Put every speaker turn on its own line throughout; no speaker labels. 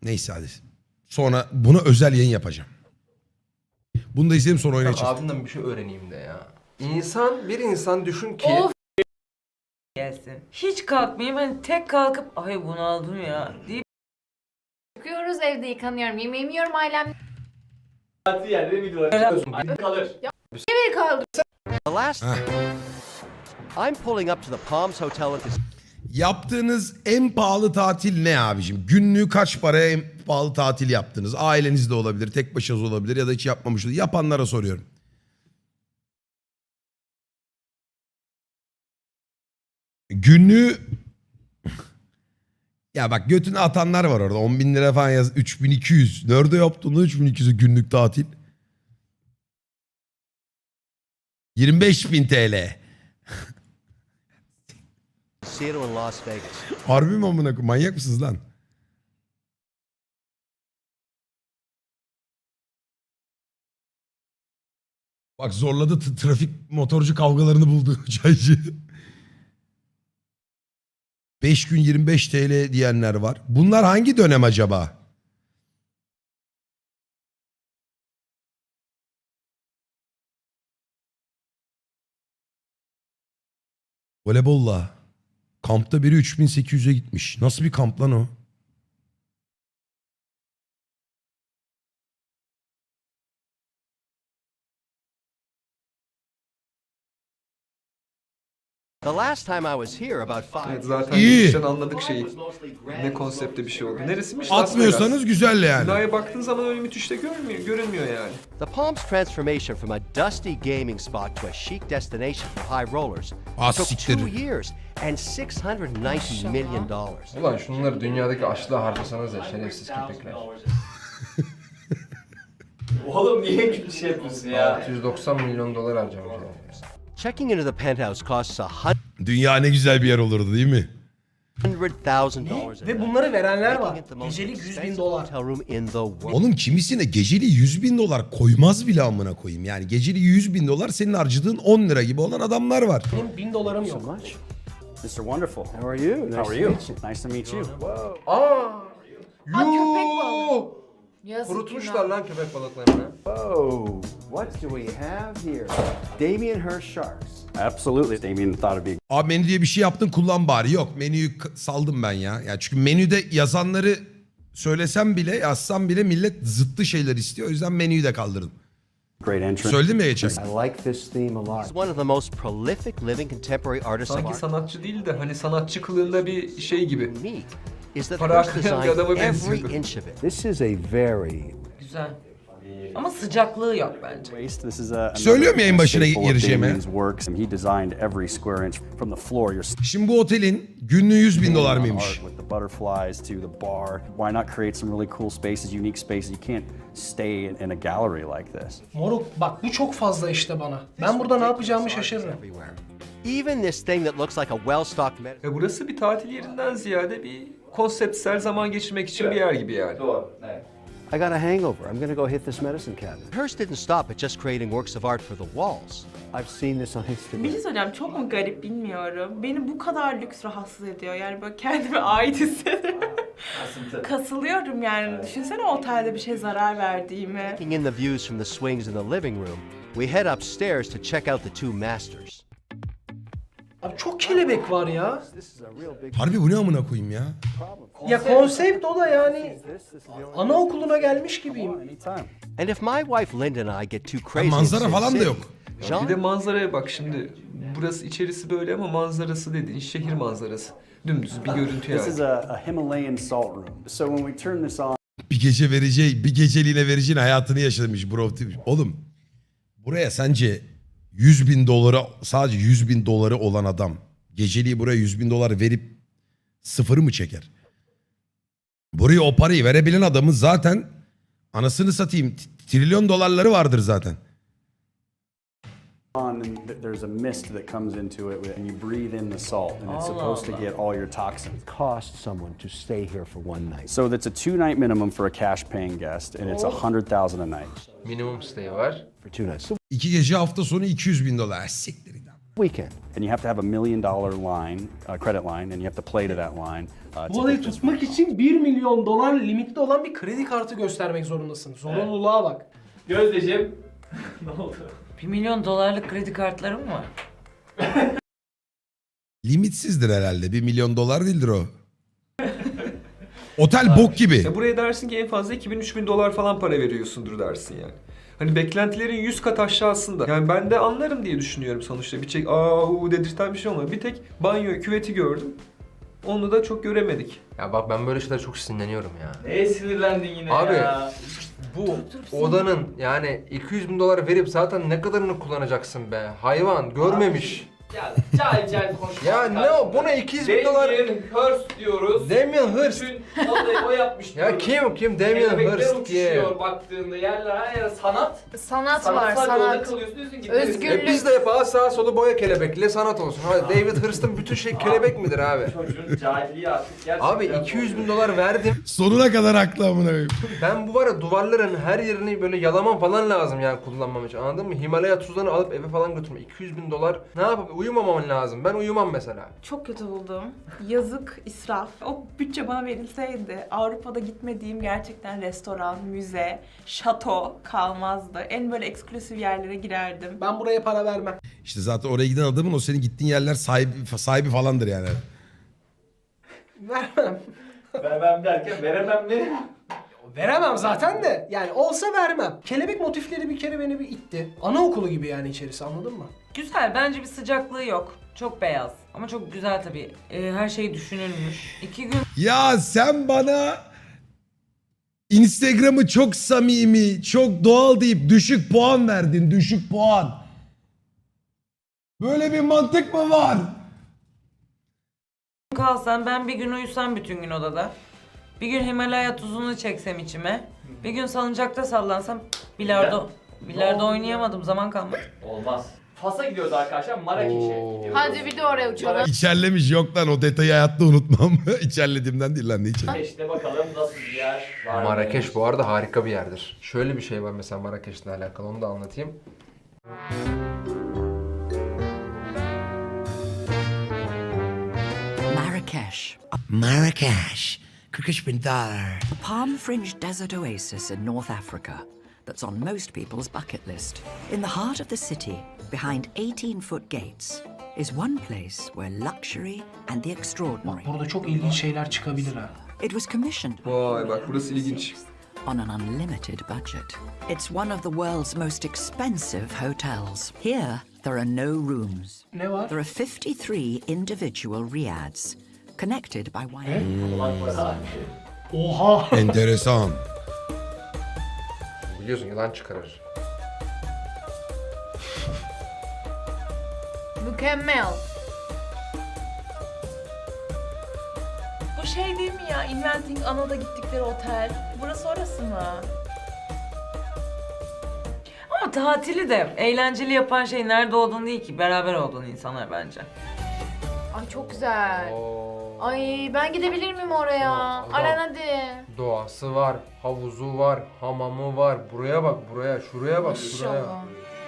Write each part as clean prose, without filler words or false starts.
Neyse hadi. Sonra buna özel yayın yapacağım. Bunu da izleyelim sonra oynayacağız.
Abimden bir şey öğreneyim de ya. Bir insan düşün ki...
Of gelsin. Hiç kalkmayayım hani tek kalkıp ay bunaldım ya deyip
Çıkıyoruz, evde yıkanıyorum, yemeğimi yiyorum, ailem
Yerde video kalır.
beni kaldı.
The last, I'm pulling up to the Palms Hotel at this.
Yaptığınız en pahalı tatil ne abicim? Günlüğü kaç paraya en pahalı tatil yaptınız? Ailenizde olabilir, tek başınıza olabilir ya da hiç yapmamışsınız. Yapanlara soruyorum. Günlüğü... Ya bak götünü atanlar var orada. 10.000 lira falan yaz. 3.200. Nerede yaptın 3.200'ü günlük tatil? 25.000 TL.
Casino in Las Vegas.
Harbi mi amına koyayım? Manyak mısınız lan? Bak zorladı trafik motorcu kavgalarını buldu çaycı. 5 gün 25 TL diyenler var. Bunlar hangi dönem acaba? Voleybolla. Kampta biri 3800'e gitmiş. Nasıl bir kamp lan o?
The last time I was here about 5
Evet,
years
zaten
İyi.
geçmişten anladık şeyi. Ne konsepte bir şey oldu. Neresiymiş? Las Vegas.
Atmıyorsanız güzel yani.
Binaya baktığın zaman öyle müthiş de görünmüyor yani.
The Palms transformation from a dusty gaming spot to a chic destination for high rollers took
siktir.
2 years and $690 million.
Ulan şunları dünyadaki açlığa harcasanız ya şerefsiz köpekler.
Oğlum niye bir şey yapıyorsun ya?
690 milyon dolar harcamış yani.
Checking into the penthouse costs
Dünya ne güzel bir yer olurdu değil mi?
$100,000 a
Ve
night,
bunları verenler var.
making it the most
Gecelik 100 bin
expensive
dolar.
hotel room in the world.
Oğlum kimisine geceli 100.000 dolar koymaz bile amına koyayım. Yani geceli 100.000 dolar senin harcadığın 10 lira gibi olan adamlar var.
Benim 1000 dolarım yok.
Mr. Wonderful. How are you? How are you? Nice to meet you.
Aa!
köpek balığı. Yazık
Kurutmuşlar lan köpek balıklarını.
Oh, what do we have here? Damien Hirst Sharks. Absolutely. Damien thought it'd be
Abi menü diye bir şey yaptın kullan bari. Yok menüyü saldım ben ya. Ya çünkü menüde yazanları söylesem bile yazsam bile millet zıttı şeyler istiyor. O yüzden menüyü de kaldırdım.
a great entrance.
Söyledim ya geçen.
I like this theme a lot.
He's one of the most prolific living contemporary artists of
Sanki
art.
sanatçı değil de hani sanatçı kılığında bir şey gibi.
Neat is that
Para
Hirst
aklayan bir adama
designed every
benziyordu.
inch of it.
This is a very
güzel. Ama sıcaklığı yok bence.
waste. This is a
Söylüyorum yayın başına
staple of
gireceğime.
Damien's works, and he designed every square inch from the floor. You're
Şimdi bu otelin günlüğü 100.000 dolar mıymış?
art with the butterflies to the bar. Why not create some really cool spaces, unique spaces? You can't stay in a gallery like this.
Moruk bak bu çok fazla işte bana. Ben burada ne yapacağımı şaşırırım.
Everywhere. Even this thing that looks like a well-stocked medicine.
Burası bir tatil yerinden ziyade bir konseptsel zaman geçirmek için bir yer gibi yani.
Doğru. Evet.
I got a hangover. I'm gonna go hit this medicine cabinet.
Hirst didn't stop at just creating works of art for the walls.
I've seen this on
Bir
Instagram.
şey söyleyeceğim, çok mu garip bilmiyorum. Beni bu kadar lüks rahatsız ediyor. Yani böyle kendime ait hissediyorum. Kasılıyorum yani. Düşünsene otelde bir şey zarar verdiğimi.
Taking in the views from the swings in the living room, we head upstairs to check out the two masters.
Abi çok kelebek var ya.
This is a real big
Harbi bu ne amına koyayım ya?
Ya konsept o da yani anaokuluna gelmiş gibiyim.
anytime.
And if my wife Linda and I get too
Ha,
crazy in
manzara
Sin
falan da
City,
yok.
Jean
Bir de manzaraya bak şimdi. Burası içerisi böyle ama manzarası dediğin şehir manzarası. Dümdüz bir görüntü
This is
yani.
a Himalayan salt room. So when we turn this on,
Bir gece vereceği, bir geceliğine vereceğin hayatını yaşamış bro. Oğlum buraya sence 100.000 dolara sadece 100.000 doları olan adam geceliği buraya 100.000 dolar verip sıfırı mı çeker? Buraya o parayı verebilen adamın zaten anasını satayım trilyon dolarları vardır zaten.
and there's a mist that comes into it, and you breathe in the salt, and it's supposed to get all your toxins. Cost someone to stay here for one night. So that's a 2-night minimum for a cash-paying guest, and it's $100,000 a night.
Minimum stay var.
For 2 nights. So
2 gece hafta sonu 200.000 dolar. Siktir git.
weekend. And you have to have $1 million line, credit line, and you have to play to that line.
Bu
to
olayı
get this
tutmak için $1 milyon limitli olan bir kredi kartı göstermek zorundasın. Zorunluluğa bak.
Gözdeciğim. Ne oldu?
1 milyon dolarlık kredi kartlarım var.
Limitsizdir herhalde. 1 milyon dolar değildir o. Otel bok gibi.
Buraya dersin ki en fazla 2000-3000 dolar falan para veriyorsundur dersin yani. Hani beklentilerin 100 kat aşağısında. Yani ben de anlarım diye düşünüyorum sonuçta. Bir çek dedirten bir şey olmadı. Bir tek banyo, küveti gördüm. Onu da çok göremedik.
Ya bak ben böyle şeylere çok sinirleniyorum ya.
Neye sinirlendin yine
Abi,
ya?
Bu odanın yani 200 bin dolar verip zaten ne kadarını kullanacaksın be? Hayvan görmemiş.
Ya cahil konuşma.
Ya ne o? Buna 200 bin dolar...
Damien Hirst diyoruz.
Damien Hirst.
Bütün odayı o yapmış
Ya
diyoruz.
kim? Damien
Kelebekler
Hirst diye.
uçuşuyor baktığında yerler her yere sanat.
Sanat var,
Sanatsal yolda
sanat.
kalıyorsun diyorsun ki.
Özgürlük.
Biz de yapalım sağa solu boya kelebekle sanat olsun. Hadi David Hurst'ın bütün şey kelebek midir abi?
Çocuğun cahilliği artık gerçekten.
Abi 200 bin dolar verdim.
Sonuna kadar haklı amına koyayım.
Ben bu var ya duvarların her yerini böyle yalamam falan lazım yani kullanmam için, anladın mı? Himalaya tuzlarını alıp eve falan götürme. 200 bin dolar ne yapıp uyumamam lazım. Ben uyumam mesela.
Çok kötü buldum. Yazık, israf. O bütçe bana verilseydi Avrupa'da gitmediğim gerçekten restoran, müze, şato kalmazdı. En böyle eksklusif yerlere girerdim.
Ben buraya para vermem.
İşte zaten oraya giden adamın o senin gittiğin yerler sahibi falandır yani.
Vermem.
Vermem derken veremem mi?
Veremem zaten de. Yani olsa vermem. Kelebek motifleri bir kere beni bir itti. Anaokulu gibi yani içerisi, anladın mı?
Güzel, bence bir sıcaklığı yok. Çok beyaz ama çok güzel tabii. Her şey düşünülmüş. 2 gün
Ya sen bana Instagram'ı çok samimi, çok doğal deyip düşük puan verdin. Düşük puan. Böyle bir mantık mı var?
kalsam, ben bir gün uyusam bütün gün odada. Bir gün Himalaya tuzunu çeksem içime. Bir gün salıncakta sallansam bilardo oynayamadım, zaman kalmadı.
Olmaz. Fas'a gidiyoruz arkadaşlar, Marrakeş'e gidiyoruz.
Hadi bir de oraya uçalım.
İçerlemiş, yok lan o detayı hayatta unutmam. İçerlediğimden değil lan, ne içer?
Marrakeş'te bakalım nasıl bir yer var.
Marrakeş bu arada harika bir yerdir. Şöyle bir şey var mesela Marrakeş'le alakalı, onu da anlatayım.
Marrakesh. $43,000. A palm-fringed desert oasis in North Africa that's on most people's bucket list. In the heart of the city, behind 18-foot gates, is one place where luxury and the extraordinary.
Burada çok ilginç şeyler çıkabilir ha.
It was commissioned
Vay bak burası ilginç.
on an unlimited budget. It's one of the world's most expensive hotels. Here, there are no rooms.
Ne var?
There are 53 individual riads, connected by wire.
Oha!
Enteresan.
Biliyorsun yılan çıkarır.
Mükemmel.
Bu şey değil mi ya? Inventing Ana'da gittikleri otel. Burası orası mı?
Ama tatili de eğlenceli yapan şey nerede olduğun değil ki, beraber olduğun insanlar bence.
Ay çok güzel.
Oo.
Ay ben gidebilir miyim oraya?
Adam.
Aran hadi.
Doğası var, havuzu var, hamamı var. Buraya bak, buraya, şuraya bak, şuraya.
İnşallah.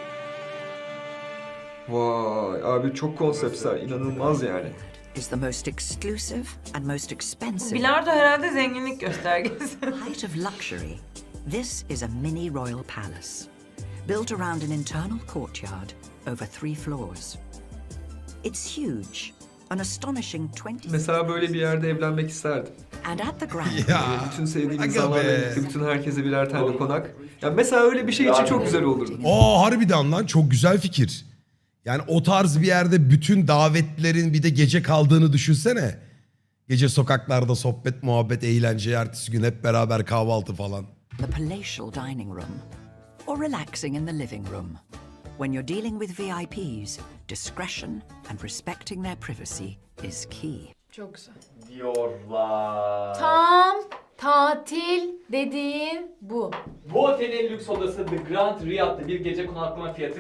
Vay abi çok konseptsel, inanılmaz yani.
Is the most exclusive and most expensive.
Bilardo herhalde zenginlik göstergesi.
Height of luxury. This is a mini royal palace, built around an internal courtyard over 3 floors. It's huge, an astonishing 20.
Mesela böyle bir yerde evlenmek isterdim.
And at the ground,
Ya.
Bütün sevdiğim
Aga
insanlarla
be.
birlikte bütün herkese birer tane konak. Ya mesela öyle bir şey için çok güzel olurdu.
Harbiden lan çok güzel fikir. Yani o tarz bir yerde bütün davetlerin bir de gece kaldığını düşünsene. Gece sokaklarda sohbet, muhabbet, eğlence, ertesi gün hep beraber kahvaltı falan.
the palatial dining room, or relaxing in the living room. When you're dealing with VIPs, discretion and respecting their privacy is key.
Çok güzel.
Diyorlar.
Tam tatil dediğin bu.
Bu otelin lüks odası The Grand Riyad'da bir gece konaklama fiyatı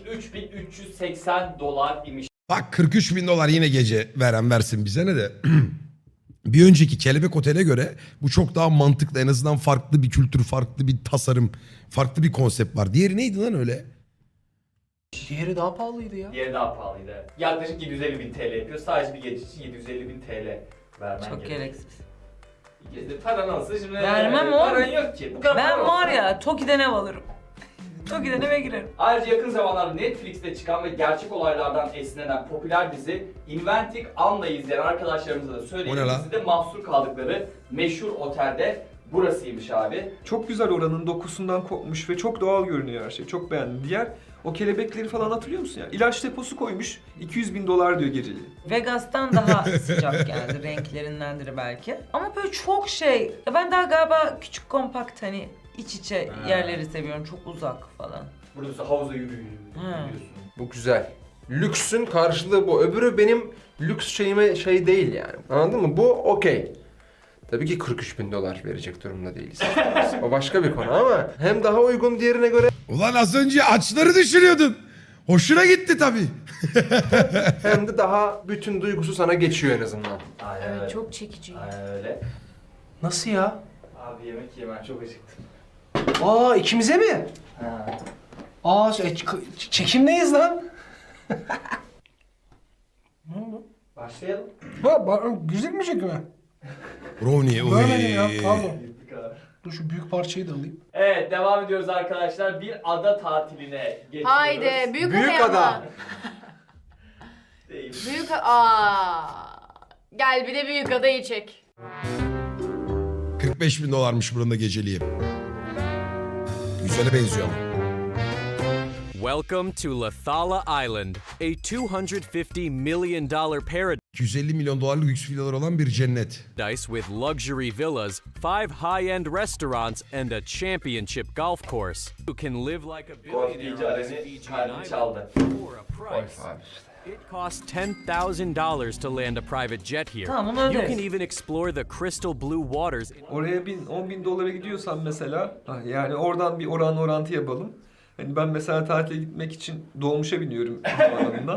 $43.380 imiş.
Bak 43 bin dolar yine gece veren versin bize ne de. Bir önceki Kelebek Otel'e göre bu çok daha mantıklı. En azından farklı bir kültür, farklı bir tasarım, farklı bir konsept var. Diğeri neydi lan öyle?
Diğeri daha pahalıydı ya.
Diğeri daha pahalıydı. Evet. Yaklaşık 750.000 TL yapıyor. Sadece bir gece için 750.000 TL vermen
Çok
gerekiyor.
gereksiz.
Bir gece paran olsa şimdi
Vermem oğlum.
paran yok ki. Bu kadar
Ben
para
var
olsa-
ya Toki'den ev alırım. Toki'den eve girerim.
Ayrıca yakın zamanlarda Netflix'te çıkan ve gerçek olaylardan esinlenen popüler dizi Inventing Anne'ı izleyen arkadaşlarımıza da
O ne
söyleyeyim.
lan?
Dizide mahsur kaldıkları meşhur otelde burasıymış abi.
Çok güzel oranın dokusundan kopmuş ve çok doğal görünüyor her şey. Çok beğendim. Diğer o kelebekleri falan hatırlıyor musun ya? İlaç deposu koymuş. 200.000 dolar diyor geceliği.
Vegas'tan daha sıcak geldi. Renklerindendir belki. Ama böyle çok şey. Ya ben daha galiba küçük kompakt hani iç içe yerleri seviyorum. Çok uzak falan.
Burada mesela havuza yürüyorsun.
Bu güzel. Lüksün karşılığı bu. Öbürü benim lüks şeyime şey değil yani. Anladın mı? Bu okey. Tabii ki 43.000 dolar verecek durumda değiliz. O başka bir konu ama hem daha uygun diğerine göre
Ulan az önce açları düşürüyordun. Hoşuna gitti tabii.
hem de daha bütün duygusu sana geçiyor en azından.
Aynen öyle.
Evet çok çekici.
Aynen öyle.
Nasıl ya?
Abi yemek yemem çok acıktım.
Aa ikimize mi?
Ha.
Aa çekimdeyiz lan. Ne oldu?
Başlayalım.
Güzel mi çekimi?
Brownie.
Görmedim ya pardon.
Gittik abi.
Dur şu büyük parçayı da alayım.
Evet devam ediyoruz arkadaşlar. Bir ada tatiline geçiyoruz.
Haydi büyük,
Büyük
ada.
ada.
Ama. Büyük Gel bir de büyük adayı çek.
45.000 dolarmış buranın da geceliği. Güzele benziyor ama.
Welcome to Lathala Island, a $250 million paradise
250 milyon dolarlık lüks villalar olan bir cennet.
with luxury villas, 5 high-end restaurants, and a championship golf course. You can live like a
Golf
billionaire
deyince
on this
Aren'i
Fijian
kalbim
island
çaldı.
for a price. It costs $10,000 to land a private jet here.
Tamam, onu
You
öderiz.
can even explore the crystal blue waters.
Oraya 10.000 dolara gidiyorsan mesela, yani oradan bir orantı yapalım. Hani ben mesela tatile gitmek için dolmuşa biniyorum havaalanından.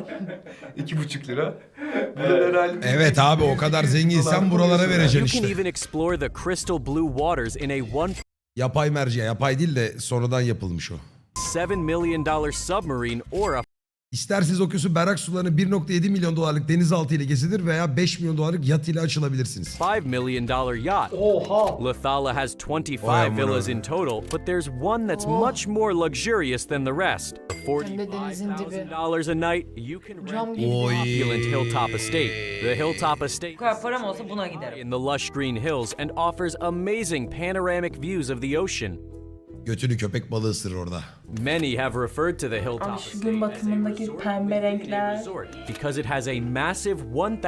2,5 lira. Burada herhalde
Evet abi o kadar zenginsen buralara vereceksin
You can
işte.
even explore the crystal blue waters in a
Yapay merci, yapay değil de sonradan yapılmış o.
$1.7 million submarine or a
İsterseniz okyanusun berrak sularını 1.7 milyon dolarlık denizaltı ile gezilir veya 5 milyon dolarlık yat ile açılabilirsiniz.
$5 million yacht.
Oha.
Lathala has 25
Vay amına.
villas in total, but there's one that's much more luxurious than the rest. For
Hem de denizin dibi.
$45,000 a night, you can
Cam
rent
gibi.
the
Oy.
opulent Hilltop Estate. The Hilltop Estate
Bu kadar param olsa buna giderim.
in the lush green hills and offers amazing panoramic views of the ocean.
Götünü köpek balığı ısırır orada.
Many have referred to the
Abi
Hilltop
şu
Estate
gün
as a
batımındaki
resort
pembe
within a
renkler.
resort because it has a massive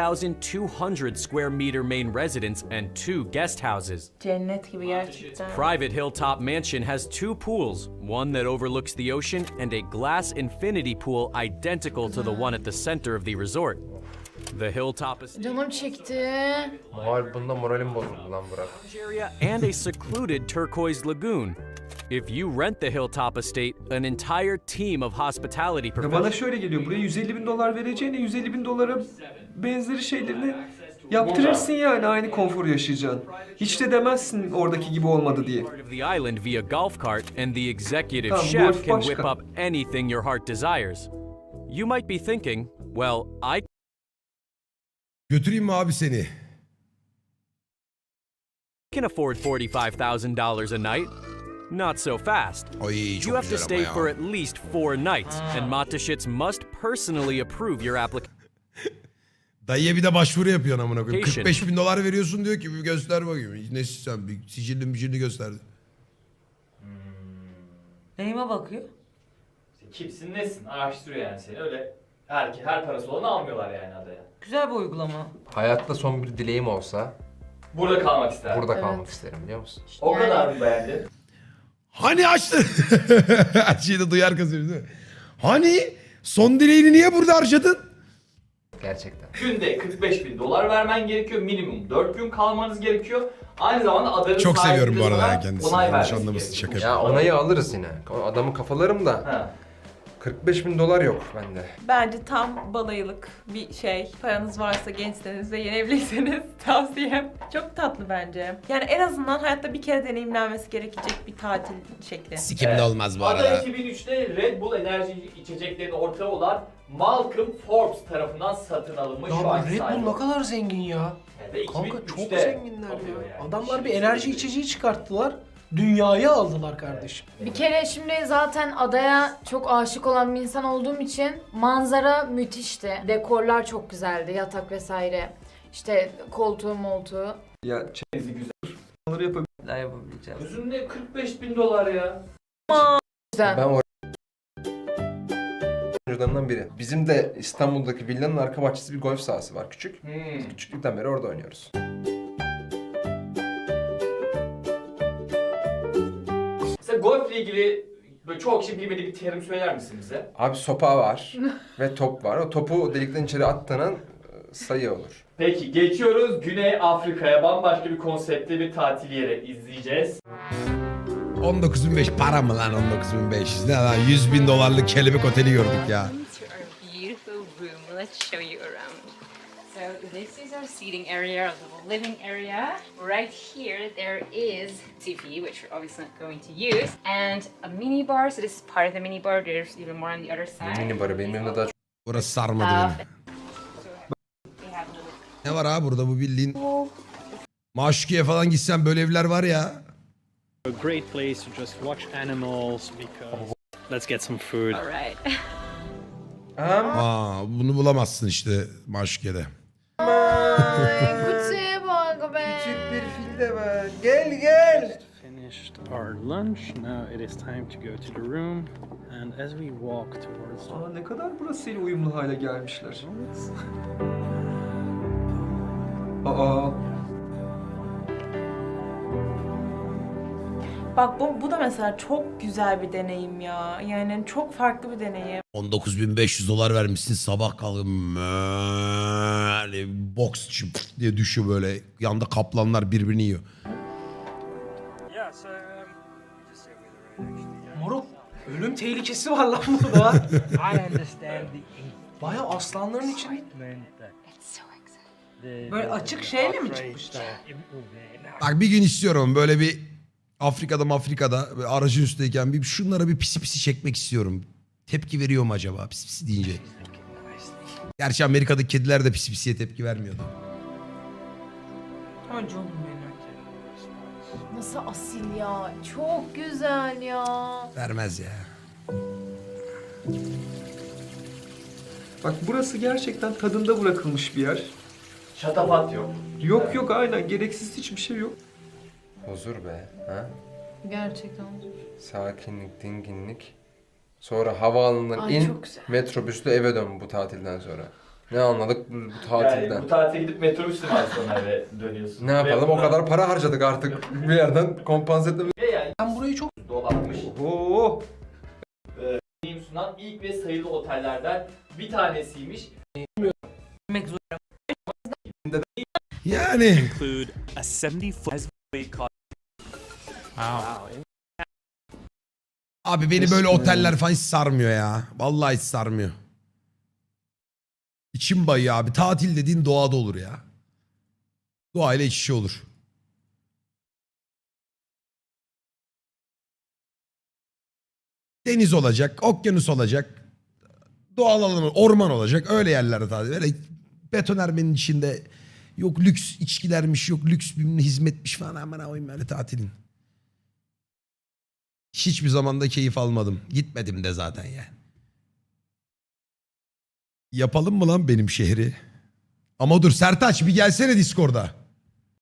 1,200 square meter main residence and 2 guest houses.
Cennet gibi gerçekten.
Private Hilltop Mansion has 2 pools, one that overlooks the ocean and a glass infinity pool identical to the one at the center of the resort. The Hilltop Estate
Canım çekti.
Bunda moralim bozuldu lan Burak.
area and a secluded turquoise lagoon. If you rent the Hilltop Estate, an entire team of hospitality
Ya bana
professionals
şöyle geliyor, buraya 150.000 dolar vereceğine 150.000 dolara benzeri şeylerini yaptırırsın yani, aynı konforu yaşayacaksın. Hiç de demezsin oradaki gibi olmadı diye.
part of the island via golf cart, and the executive
Tamam, bu
chef
herif
can
başka.
whip up anything your heart desires. You might be thinking, well, I
Götüreyim mi abi seni?
can afford $45,000 a night. Not so fast.
Ay
You
çok
have to
güzel
stay
ama
for
ya.
at least 4 nights, and Matashits must personally approve your application.
Dayıya bir de başvuru yapıyorsun amına koyayım.
Patient.
45.000 dolar veriyorsun diyor ki bir göster bakayım. Nesi sen bir sicilini gösterdi.
Neyime bakıyor?
Kimsin nesin araştırıyor yani seni öyle. Her parası olanı almıyorlar yani adaya.
Güzel bir uygulama.
Hayatta son bir dileğim olsa
Burada kalmak ister.
burada
Evet.
kalmak isterim biliyor musun?
O
Yani-
kadar mı beğendin?
Hani açtı? Her şeyi de duyar kazıyor değil mi? Hani son dileğini niye burada harcadın?
Gerçekten.
Günde 45.000 dolar vermen gerekiyor. Minimum 4 gün kalmanız gerekiyor. Aynı zamanda adanın
Çok seviyorum bu
sahipleri
arada
sana
ya kendisini.
onay
Yanlış
vermesi
anlamasın,
gerekiyor.
şaka
Ya onayı alırız yine. Adamı kafalarım da
Ha.
45.000 dolar yok bende.
Bence tam balayılık bir şey. Paranız varsa, gençseniz ve yeni evliyseniz tavsiyem. Çok tatlı bence. Yani en azından hayatta bir kere deneyimlenmesi gerekecek bir tatil şekli.
Sikimde olmaz bu
Ada
arada.
2003'te Red Bull enerji içeceklerinin ortağı olan Malcolm Forbes tarafından satın alınmış.
Ya
şu
bu
anki
Red
sahibi.
Bull ne kadar zengin ya.
Ve
Kanka çok
2003'te
zenginler
alıyor
ya.
yani.
Adamlar bir
Şimdi
enerji
söyleyeyim.
içeceği çıkarttılar. Dünyayı aldılar kardeşim.
Bir kere şimdi zaten adaya çok aşık olan bir insan olduğum için manzara müthişti. Dekorlar çok güzeldi, yatak vesaire. İşte koltuğu moltuğu.
Ya
Bizi güzel.
çanları yapabilir.
Neler yapabileceğiz?
Yüzünde 45.000 dolar ya.
Güzel.
Ben o oyuncularından biri. Bizim de İstanbul'daki villanın arka bahçesi bir golf sahası var küçük. Biz küçüklükten beri orada oynuyoruz.
Mesela golfle ilgili böyle çoğu kişi bilmediği bir terim söyler misin bize?
Abi sopa var ve top var. O topu delikten içeri attığının sayı olur.
Peki geçiyoruz Güney Afrika'ya. Bambaşka bir konseptte bir tatil yeri izleyeceğiz.
19.500 para mı lan 19.500? Ne lan 100.000 dolarlık kelebek oteli gördük ya.
Beautiful room. Let's show you around. So this is our seating area, our little living area. Right here there is TV, which we're obviously not going to use, and a mini bar. So this is part of the mini bar. There's even more on the other side.
Mini barı benim yanımda daha çok.
Burası sarmadı beni.
They have little
Ne var abi burada bu bildiğin... Maşukiye falan gitsen böyle evler var ya.
A great place to just watch animals because let's get some food.
All right.
Bunu bulamazsın işte Maşukiye'de.
Ay kutuya bak be.
Küçük bir fil de var. Gel gel.
Finished our lunch. Now it is time to go to the room. And as we walk towards
Aa, ne kadar burasıyla uyumlu hale gelmişler. Aa.
Bak bu da mesela çok güzel bir deneyim ya. Yani çok farklı bir deneyim.
19.500 dolar vermişsin sabah kalkın böyle boks diye düşüyor böyle. Yanda kaplanlar birbirini yiyor.
Moruk ölüm tehlikesi var lan burada. Baya aslanların için.
Böyle açık şeyle mi çıkmışlar?
Bak bir gün istiyorum böyle bir Afrika'da böyle aracın üstteyken bir şunlara bir pisi pisi çekmek istiyorum. Tepki veriyor mu acaba pisi pisi deyince? Gerçi Amerika'daki kediler de pisi pisiye tepki vermiyordu.
Ay canım benim.
Nasıl asil ya. Çok güzel ya.
Vermez ya.
Bak burası gerçekten tadında bırakılmış bir yer.
Şatafat yok.
Yok aynen gereksiz hiçbir şey yok.
Huzur be. Ha?
Gerçekten.
Sakinlik, dinginlik. Sonra havaalanından
Ay,
in,
çok güzel.
metrobüsle eve dön bu tatilden sonra. Ne anladık bu tatilden?
Yani bu tatile gidip metrobüsle mi sonra eve dönüyorsun?
Ne yapalım? O kadar para harcadık artık. Bir yerden kompanse etmemiz.
Ve yani
Ben burayı çok
dolanmış.
Oo.
Deneyim sunan ilk ve sayılı otellerden bir tanesiymiş.
Yemek zor.
Yani
include a 70-foot
abi beni böyle oteller falan hiç sarmıyor ya. Vallahi hiç sarmıyor. İçim bayıyor abi. Tatil dediğin doğada olur ya. Doğayla iç içe olur. Deniz olacak, okyanus olacak. Doğal alan, orman olacak. Öyle yerlerde tatil. Böyle betonarmenin içinde yok lüks içkilermiş, yok lüks bir hizmetmiş falan. Aman koyayım böyle tatilin. Hiçbir zamanda keyif almadım. Gitmedim de zaten ya. Yapalım mı lan benim şehri? Ama dur Sertaç bir gelsene Discord'a.